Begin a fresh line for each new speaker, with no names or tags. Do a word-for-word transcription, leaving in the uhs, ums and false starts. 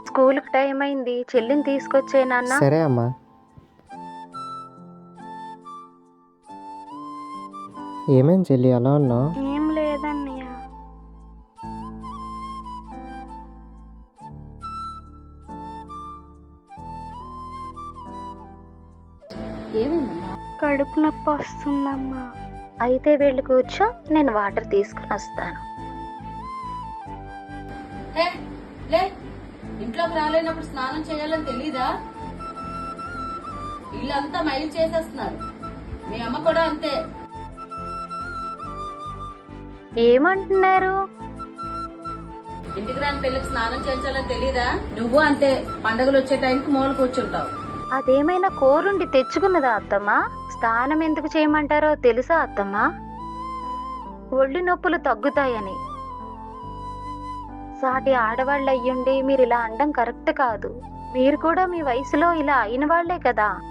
స్కూల్కి టైం అయింది, చెల్లిని తీసుకొచ్చే నాన్న.
సరే అమ్మా. ఏమేం చెల్లి అలా ఉన్నావు?
ఏం లేదన్నయ్య. కడుపు నొప్పి వస్తుందమ్మా. అయితే వెళ్ళి కూర్చో, నేను వాటర్ తీసుకుని వస్తాను.
హే, లే, ఇంట్లోకి రాలేనప్పుడు స్నానం చేయాలని తెలీదా? ఇల్లంతా మైలు చేసేస్తున్నారు. మీ అమ్మ కూడా అంతే.
ఏమంటున్నారు?
ఇంటికి రాని పెళ్లికి స్నానం చేయించాలని తెలీదా? నువ్వు అంతే, పండుగలు వచ్చే టైంకి మూల కూర్చుంటావు.
అదేమైనా కోరుండి తెచ్చుకున్నదా అత్తమ్మా? స్నానం ఎందుకు చేయమంటారో తెలుసా అత్తమ్మా? ఒళ్ళు నొప్పులు తగ్గుతాయని. సాటి ఆడవాళ్ళు అయ్యుండి మీరు ఇలా అనడం కరెక్ట్ కాదు. మీరు కూడా మీ వయసులో ఇలా అయిన వాళ్లే కదా.